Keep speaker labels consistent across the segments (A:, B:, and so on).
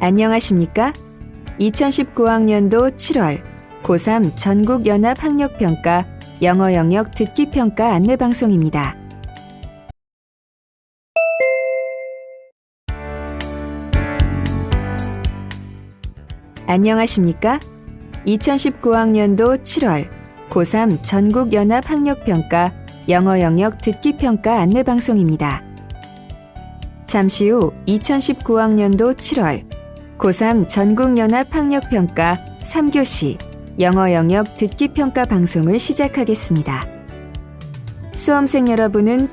A: 안녕하십니까? 2019학년도 7월 고3 전국연합학력평가 영어 영역 듣기평가 안내방송입니다. 안녕하십니까? 2019학년도 7월 고3 전국연합학력평가 영어 영역 듣기평가 안내방송입니다. 잠시 후 2019학년도 7월 고3 전국연합학력평가 3교시 영어 영역 듣기평가 방송을 시작하겠습니다. 수험생 여러분은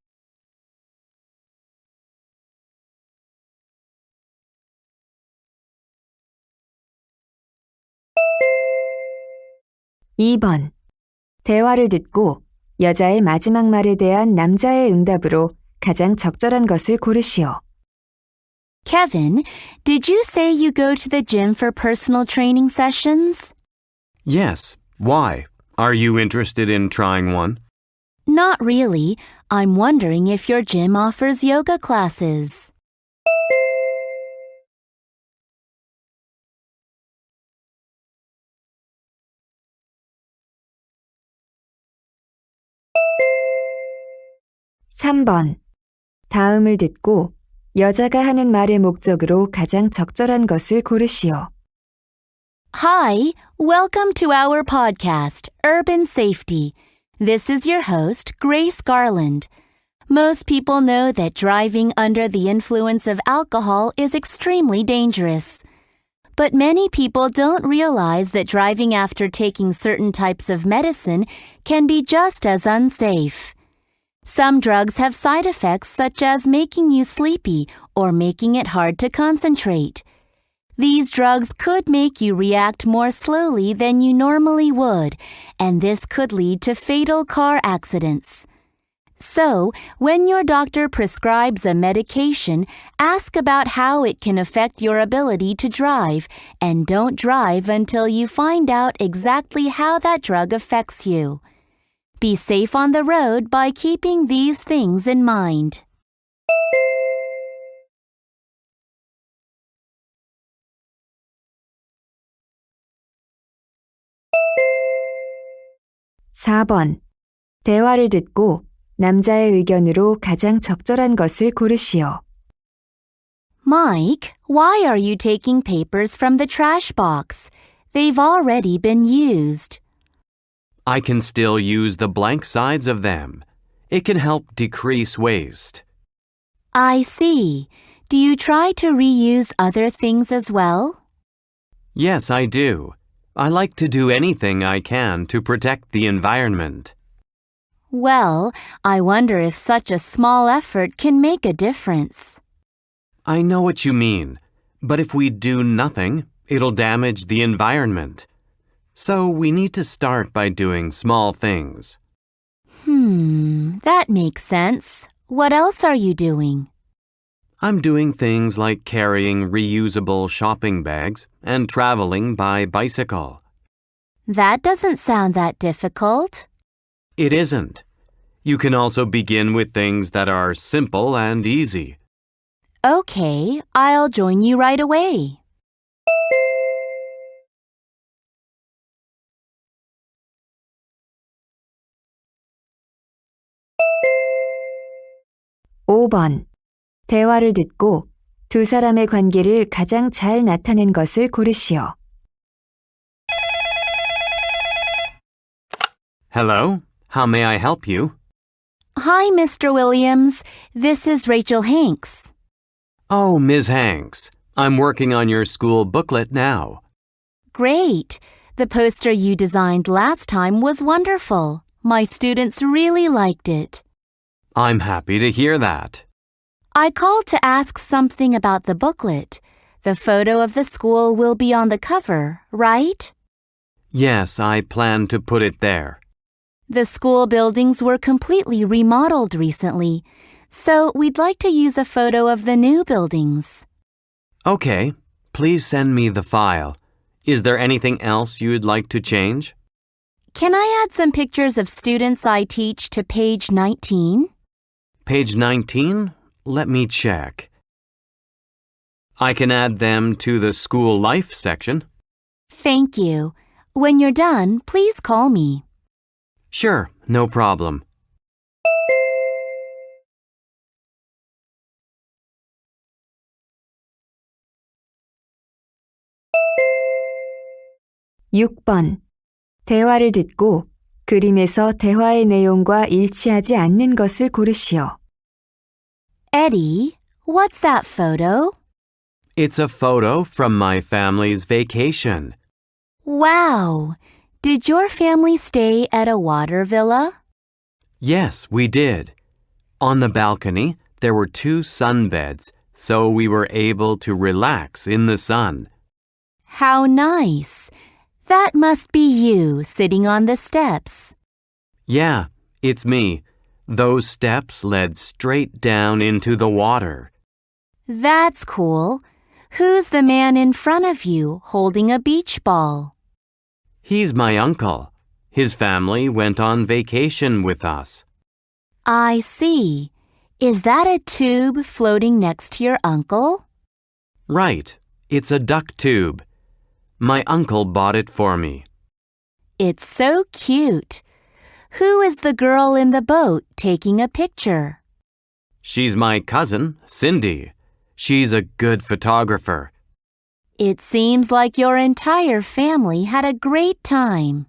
A: 2번. 대화를 듣고 여자의 마지막 말에 대한 남자의 응답으로 가장 적절한 것을 고르시오.
B: Kevin, did you say you go to the gym for personal training sessions?
C: Yes. Why? Are you interested in trying one?
B: Not really. I'm wondering if your gym offers yoga classes.
A: (3번) 다음을 듣고 여자가 하는 말의 목적으로 가장 적절한 것을 고르시오.
B: Hi, welcome to our podcast, Urban Safety. This is your host, Grace Garland. Most people know that driving under the influence of alcohol is extremely dangerous. But many people don't realize that driving after taking certain types of medicine can be just as unsafe. Some drugs have side effects such as making you sleepy or making it hard to concentrate. These drugs could make you react more slowly than you normally would, and this could lead to fatal car accidents. So, when your doctor prescribes a medication, ask about how it can affect your ability to drive, and don't drive until you find out exactly how that drug affects you. Be safe on the road by keeping these things in mind.
A: (4번) 대화를 듣고 남자의 의견으로 가장 적절한 것을 고르시오.
B: Mike, why are you taking papers from the trash box? They've already been used.
C: I can still use the blank sides of them. It can help decrease waste.
B: I see. Do you try to reuse other things as well?
C: Yes, I do. I like to do anything I can to protect the environment.
B: Well, I wonder if such a small effort can make a difference.
C: I know what you mean, but if we do nothing, it'll damage the environment. So we need to start by doing small things.
B: That makes sense. What else are you doing?
C: I'm doing things like carrying reusable shopping bags and traveling by bicycle.
B: That doesn't sound that difficult.
C: It isn't. You can also begin with things that are simple and easy.
B: Okay, I'll join you right away.
A: (5번) 대화를 듣고 두 사람의 관계를 가장 잘 나타낸 것을 고르시오.
C: Hello, how may I help you?
B: Hi, Mr. Williams. This is Rachel Hanks.
C: Oh, Ms. Hanks, I'm working on your school booklet now.
B: Great. The poster you designed last time was wonderful. My students really liked it.
C: I'm happy to hear that.
B: I called to ask something about the booklet. The photo of the school will be on the cover, right?
C: Yes, I plan to put it there.
B: The school buildings were completely remodeled recently, so we'd like to use a photo of the new buildings.
C: Okay, please send me the file. Is there anything else you'd like to change?
B: Can I add some pictures of students I teach to page 19?
C: Page 19? Let me check. I can add them to the school life section.
B: Thank you. When you're done, please call me.
C: Sure, no problem.
A: (6번) 대화를 듣고 그림에서 대화의 내용과 일치하지 않는 것을 고르시오.
B: Eddie, what's that photo?
C: It's a photo from my family's vacation.
B: Wow! Did your family stay at a water villa?
C: Yes, we did. On the balcony, there were 2 sunbeds, so we were able to relax in the sun.
B: How nice! That must be you sitting on the steps.
C: Yeah, it's me. Those steps led straight down into the water.
B: That's cool. Who's the man in front of you holding a beach ball?
C: He's my uncle. His family went on vacation with us.
B: I see. Is that a tube floating next to your uncle?
C: Right, it's a duck tube. My uncle bought it for me.
B: It's so cute. Who is the girl in the boat taking a picture?
C: She's my cousin, Cindy. She's a good photographer.
B: It seems like your entire family had a great time.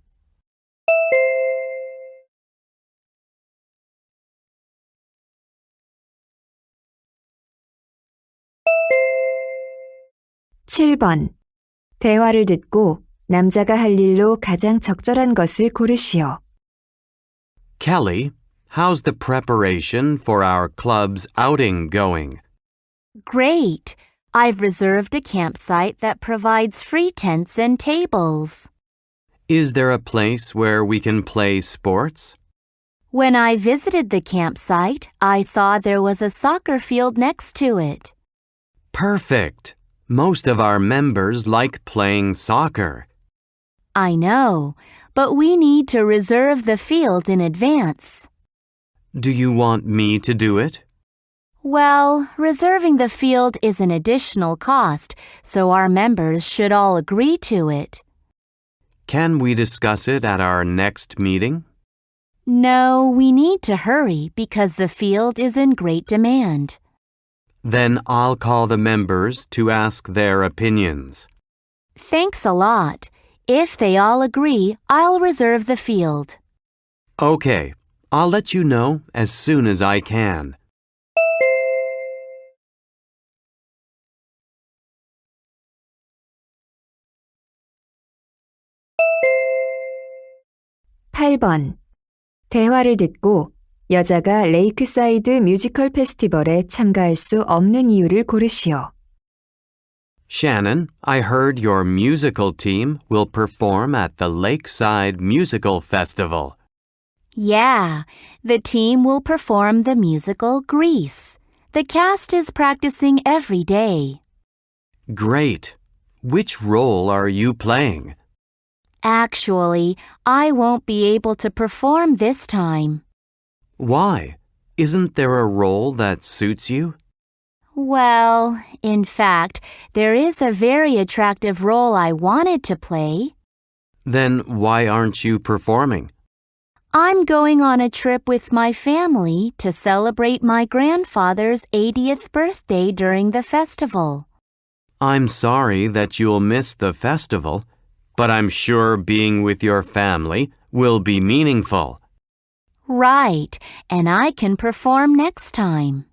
A: (7번) 대화를 듣고 남자가 할 일로 가장 적절한 것을 고르시오.
C: Kelly, how's the preparation for our club's outing going?
B: Great! I've reserved a campsite that provides free tents and tables.
C: Is there a place where we can play sports?
B: When I visited the campsite, I saw there was a soccer field next to it.
C: Perfect! Most of our members like playing soccer.
B: I know, but we need to reserve the field in advance.
C: Do you want me to do it?
B: Well, reserving the field is an additional cost, so our members should all agree to it.
C: Can we discuss it at our next meeting?
B: No, we need to hurry because the field is in great demand.
C: Then I'll call the members to ask their opinions.
B: Thanks a lot. If they all agree, I'll reserve the field.
C: Okay, I'll let you know as soon as I can.
A: (8번) 대화를 듣고 여자가 레이크사이드 뮤지컬 페스티벌에 참가할 수 없는 이유를 고르시오.
C: Shannon, I heard your musical team will perform at the Lakeside Musical Festival.
B: Yeah, the team will perform the musical Grease. The cast is practicing every day.
C: Great. Which role are you playing?
B: Actually, I won't be able to perform this time.
C: Why? Isn't there a role that suits you?
B: Well, in fact, there is a very attractive role I wanted to play.
C: Then why aren't you performing?
B: I'm going on a trip with my family to celebrate my grandfather's 80th birthday during the festival.
C: I'm sorry that you'll miss the festival, but I'm sure being with your family will be meaningful.
B: Right, and I can perform next time.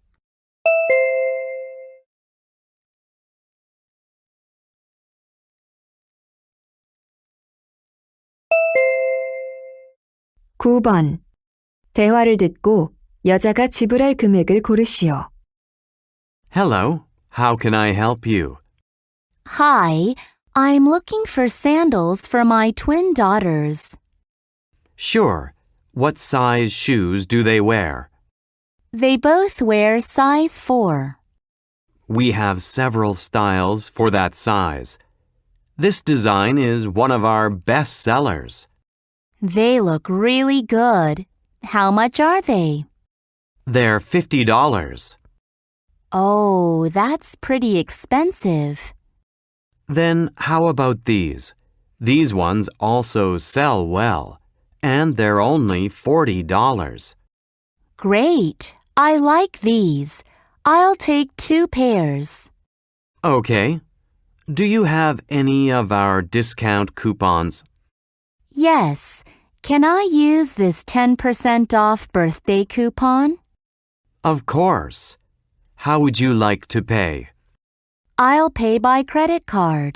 A: (9번) 대화를 듣고 여자가 지불할 금액을 고르시오.
C: Hello, how can I help you?
B: Hi, I'm looking for sandals for my twin daughters.
C: Sure. What size shoes do they wear?
B: They both wear size 4.
C: We have several styles for that size. This design is one of our best sellers.
B: They look really good. How much are they?
C: They're $50.
B: Oh, that's pretty expensive.
C: Then how about these? These ones also sell well, and they're only $40.
B: Great. I like these. I'll take 2 pairs.
C: Okay. Do you have any of our discount coupons?
B: Yes. Can I use this 10% off birthday coupon?
C: Of course. How would you like to pay?
B: I'll pay by credit card.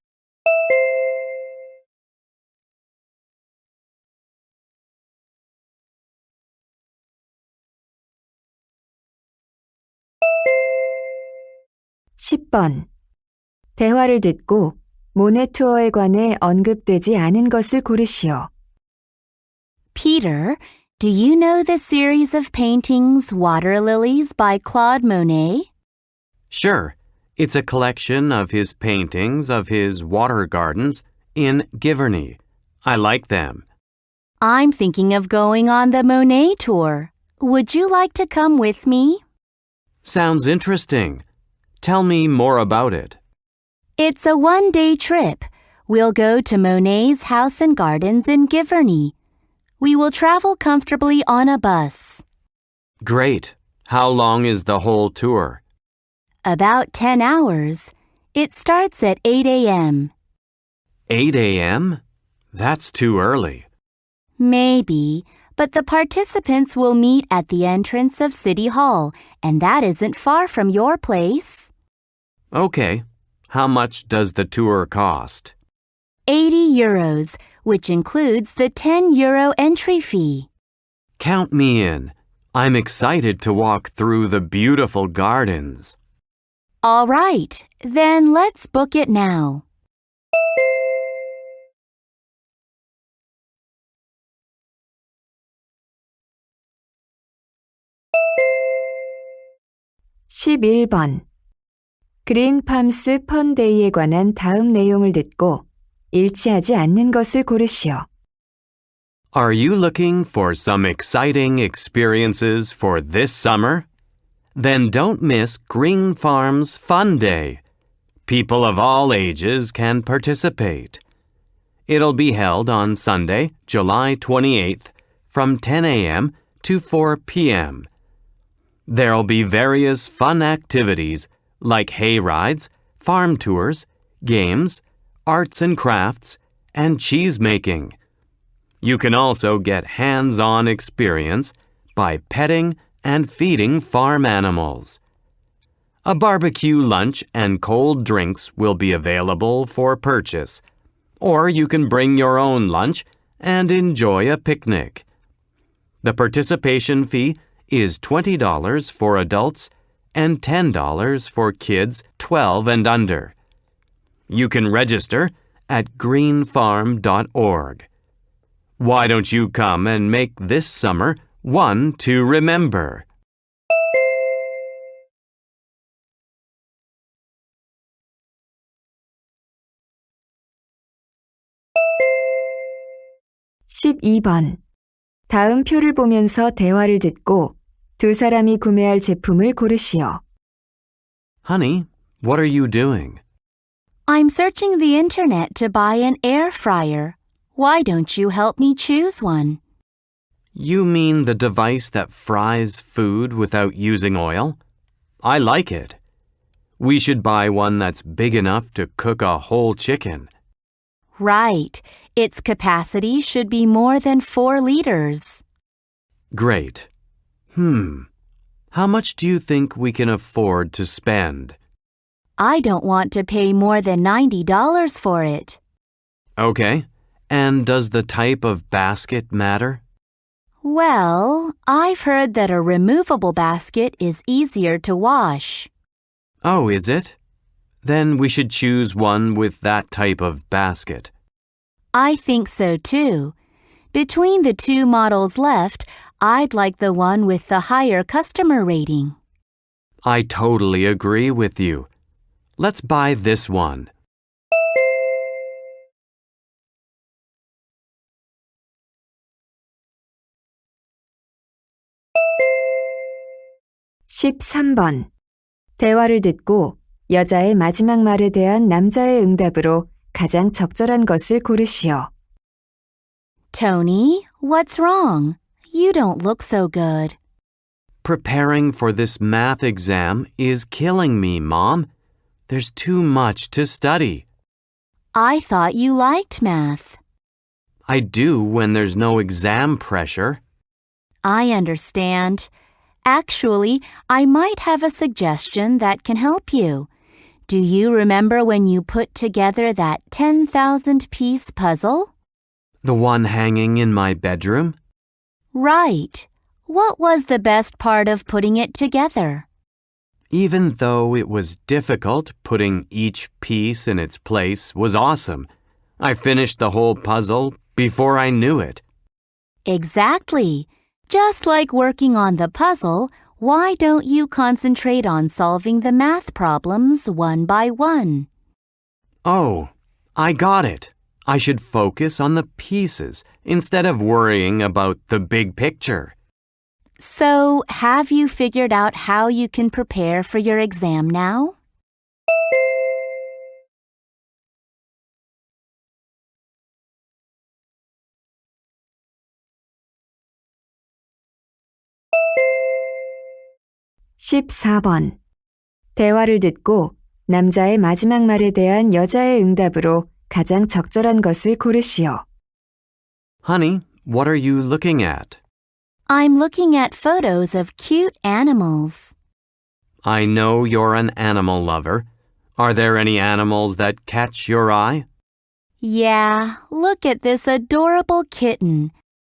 A: (10번) 대화를 듣고 모네 투어에 관해 언급되지 않은 것을 고르시오.
B: Peter, do you know the series of paintings Water Lilies by Claude Monet?
C: Sure. It's a collection of his paintings of his water gardens in Giverny. I like them.
B: I'm thinking of going on the Monet tour. Would you like to come with me?
C: Sounds interesting. Tell me more about it.
B: It's a one-day trip. We'll go to Monet's house and gardens in Giverny. We will travel comfortably on a bus.
C: Great. How long is the whole tour?
B: About 10 hours. It starts at 8 a.m.
C: 8 a.m.? That's too early.
B: Maybe, but the participants will meet at the entrance of City Hall, and that isn't far from your place.
C: Okay. How much does the tour cost?
B: 80 euros, which includes the 10 euro entry fee.
C: Count me in. I'm excited to walk through the beautiful gardens.
B: All right, then let's book it now.
A: (11번) 그린팜스 펀데이에 관한 다음 내용을 듣고 일치하지 않는 것을 고르시오.
C: Are you looking for some exciting experiences for this summer? Then don't miss Green Farm's Fun Day. People of all ages can participate. It'll be held on Sunday, July 28th, from 10 a.m. to 4 p.m. There'll be various fun activities like hay rides, farm tours, games, arts and crafts, and cheese making. You can also get hands-on experience by petting and feeding farm animals. A barbecue lunch and cold drinks will be available for purchase, or you can bring your own lunch and enjoy a picnic. The participation fee is $20 for adults and $10 for kids 12 and under. You can register at greenfarm.org. Why don't you come and make this summer one to remember?
A: (12번) 다음 표를 보면서 대화를 듣고 두 사람이 구매할 제품을 고르시오.
C: Honey, what are you doing?
B: I'm searching the internet to buy an air fryer. Why don't you help me choose one?
C: You mean the device that fries food without using oil? I like it. We should buy one that's big enough to cook a whole chicken.
B: Right. Its capacity should be more than 4 liters.
C: Great. How much do you think we can afford to spend?
B: I don't want to pay more than $90 for it.
C: Okay. And does the type of basket matter?
B: Well, I've heard that a removable basket is easier to wash.
C: Oh, is it? Then we should choose one with that type of basket.
B: I think so too. Between the 2 models left, I'd like the one with the higher customer rating.
C: I totally agree with you. Let's buy this one.
A: (13번) 대화를 듣고 여자의 마지막 말에 대한 남자의 응답으로 가장 적절한 것을 고르시오.
B: Tony, what's wrong? You don't look so good.
C: Preparing for this math exam is killing me, Mom. There's too much to study.
B: I thought you liked math.
C: I do when there's no exam pressure.
B: I understand. Actually, I might have a suggestion that can help you. Do you remember when you put together that 10,000-piece puzzle?
C: The one hanging in my bedroom?
B: Right. What was the best part of putting it together?
C: Even though it was difficult, putting each piece in its place was awesome. I finished the whole puzzle before I knew it.
B: Exactly. Just like working on the puzzle, why don't you concentrate on solving the math problems one by one?
C: Oh, I got it. I should focus on the pieces instead of worrying about the big picture.
B: So, have you figured out how you can prepare for your exam now?
A: (14번) 대화를 듣고 남자의 마지막 말에 대한 여자의 응답으로 가장 적절한 것을 고르시오.
C: Honey, what are you looking at?
B: I'm looking at photos of cute animals.
C: I know you're an animal lover. Are there any animals that catch your eye?
B: Yeah, look at this adorable kitten.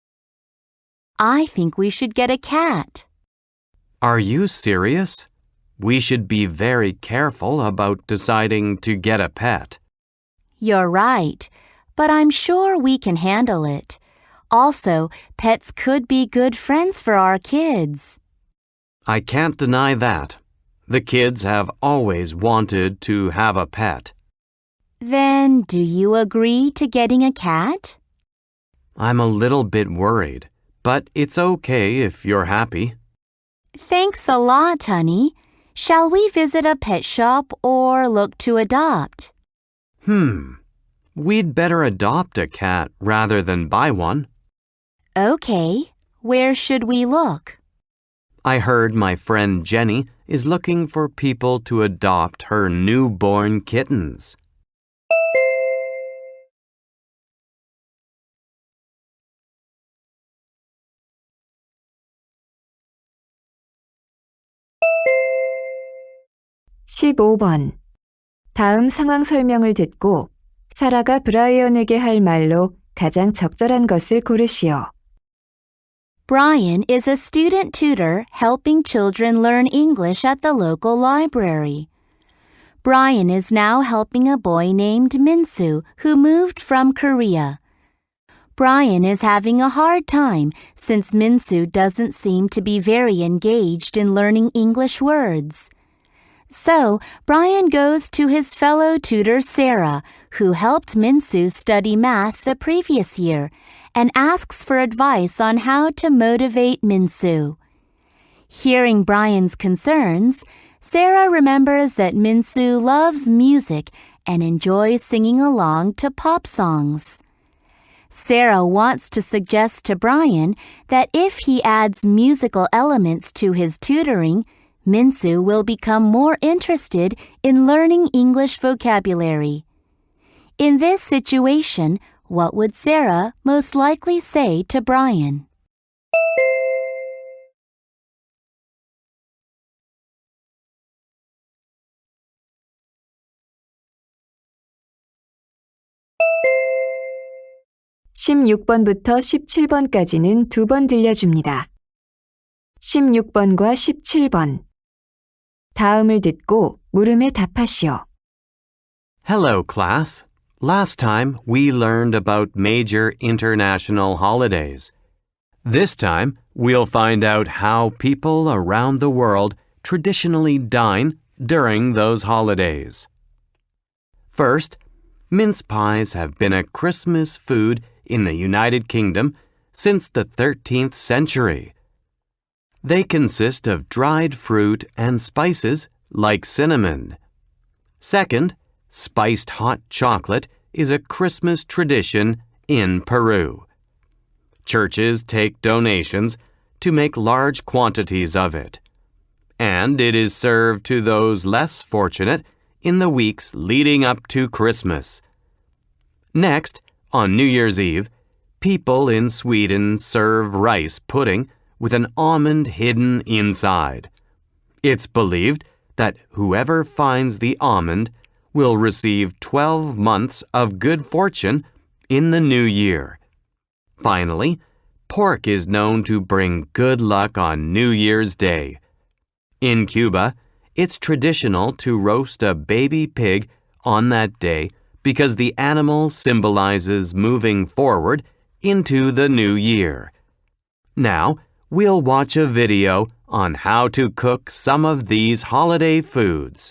B: I think we should get a cat.
C: Are you serious? We should be very careful about deciding to get a pet.
B: You're right, but I'm sure we can handle it. Also, pets could be good friends for our kids.
C: I can't deny that. The kids have always wanted to have a pet.
B: Then, do you agree to getting a cat?
C: I'm a little bit worried, but it's okay if you're happy.
B: Thanks a lot, honey. Shall we visit a pet shop or look to adopt?
C: We'd better adopt a cat rather than buy one.
B: Okay. Where should we look?
C: I heard my friend Jenny is looking for people to adopt her newborn kittens.
A: (15번) 다음 상황 설명을 듣고 사라가 브라이언에게 할 말로 가장 적절한 것을 고르시오.
B: Brian is a student tutor helping children learn English at the local library. Brian is now helping a boy named Minsu who moved from Korea. Brian is having a hard time since Minsu doesn't seem to be very engaged in learning English words. So, Brian goes to his fellow tutor Sarah, who helped Minsu study math the previous year, and asks for advice on how to motivate Minsu. Hearing Brian's concerns, Sarah remembers that Minsu loves music and enjoys singing along to pop songs. Sarah wants to suggest to Brian that if he adds musical elements to his tutoring, Minsu will become more interested in learning English vocabulary. In this situation, what would Sarah most likely say to Brian?
A: (16번부터 17번까지는 두 번 들려줍니다. 16번과 17번 다음을 듣고 물음에 답하시오.
C: Hello, class. Last time we learned about major international holidays. This time we'll find out how people around the world traditionally dine during those holidays. First, mince pies have been a Christmas food in the United Kingdom since the 13th century. They consist of dried fruit and spices like cinnamon. Second, spiced hot chocolate is a Christmas tradition in Peru. Churches take donations to make large quantities of it, and it is served to those less fortunate in the weeks leading up to Christmas. Next, on New Year's Eve, people in Sweden serve rice pudding with an almond hidden inside. It's believed that whoever finds the almond will receive 12 months of good fortune in the new year. Finally, pork is known to bring good luck on New Year's Day. In Cuba, it's traditional to roast a baby pig on that day because the animal symbolizes moving forward into the new year. Now, we'll watch a video on how to cook some of these holiday foods.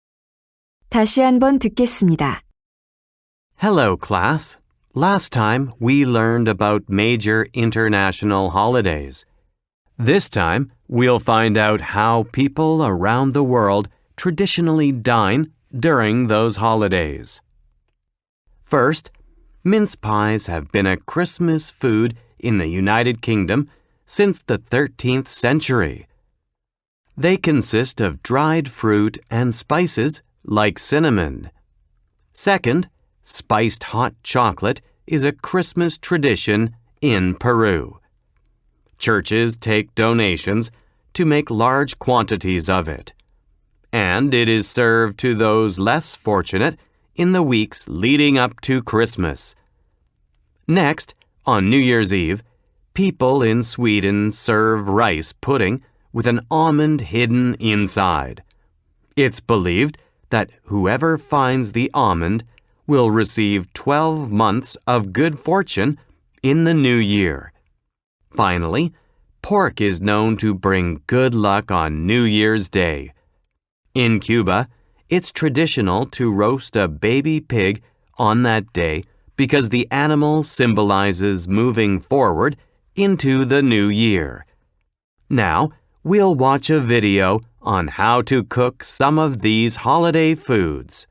A: 다시 한번 듣겠습니다.
C: Hello, class. Last time, we learned about major international holidays. This time, we'll find out how people around the world traditionally dine during those holidays. First, mince pies have been a Christmas food in the United Kingdom since the 13th century. They consist of dried fruit and spices like cinnamon. Second, spiced hot chocolate is a Christmas tradition in Peru. Churches take donations to make large quantities of it, and it is served to those less fortunate in the weeks leading up to Christmas. Next, on New Year's Eve, people in Sweden serve rice pudding with an almond hidden inside. It's believed that whoever finds the almond will receive 12 months of good fortune in the new year. Finally, pork is known to bring good luck on New Year's Day. In Cuba, it's traditional to roast a baby pig on that day because the animal symbolizes moving forward into the new year. Now, we'll watch a video on how to cook some of these holiday foods.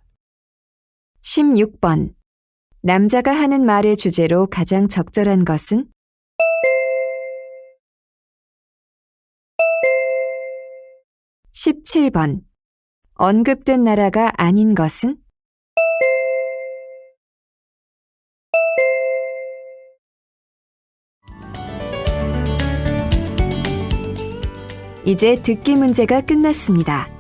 A: 16번. 남자가 하는 말의 주제로 가장 적절한 것은? 17번. 언급된 나라가 아닌 것은? 이제 듣기 문제가 끝났습니다.